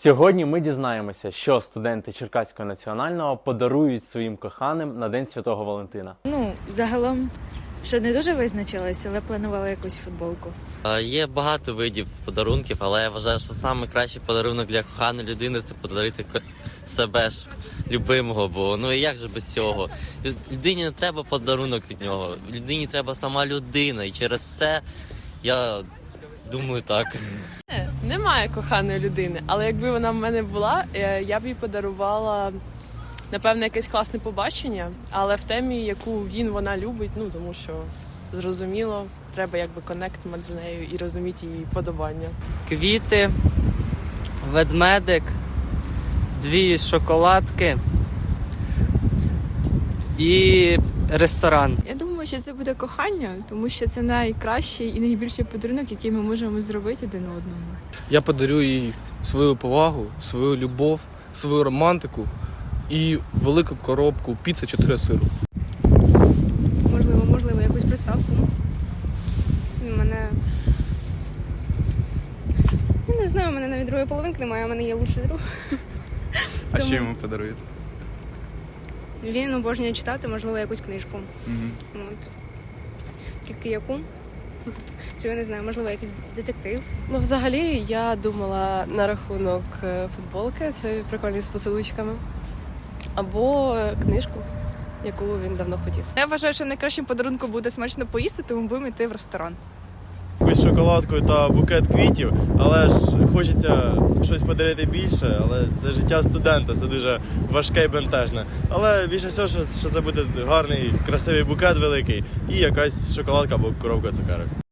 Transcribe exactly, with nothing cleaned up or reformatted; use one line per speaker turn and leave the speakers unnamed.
Сьогодні ми дізнаємося, що студенти Черкаського національного подарують своїм коханим на День Святого Валентина.
Ну, загалом, що не дуже визначилась, але планувала якусь футболку.
Є багато видів подарунків, але я вважаю, що найкращий подарунок для коханої людини – це подарити себе ж любимого, бо ну і як же без цього? Людині не треба подарунок від нього, людині треба сама людина, і через це я думаю так.
Немає коханої людини, але якби вона в мене була, я б їй подарувала, напевно, якесь класне побачення, але в темі, яку він, вона любить, ну, тому що, зрозуміло, треба якби коннект з нею і розуміти її подобання.
Квіти, ведмедик, дві шоколадки і ресторан.
Я думаю, що це буде кохання, тому що це найкращий і найбільший подарунок, який ми можемо зробити один одному.
Я подарю їй свою повагу, свою любов, свою романтику і велику коробку піци чотири сиру.
Можливо, можливо, якусь приставку. У мене... Я не знаю, у мене навіть другої половинки немає, у мене є лучший друг.
А
Тому...
що йому подаруєте?
Він обожнює читати, можливо, якусь книжку.
Угу.
От. Тільки яку? Цього я не знаю, можливо, якийсь детектив.
Ну, взагалі, я думала на рахунок футболки, це прикольні з поцілуйчиками, або книжку, яку він давно хотів.
Я вважаю, що найкращим подарунком буде смачно поїсти, тому будемо йти в ресторан.
Якусь шоколадку та букет квітів, але ж хочеться щось подарити більше, але це життя студента, це дуже важке і бентежне. Але більше всього, що, що це буде гарний, красивий букет великий і якась шоколадка або коробка цукерок.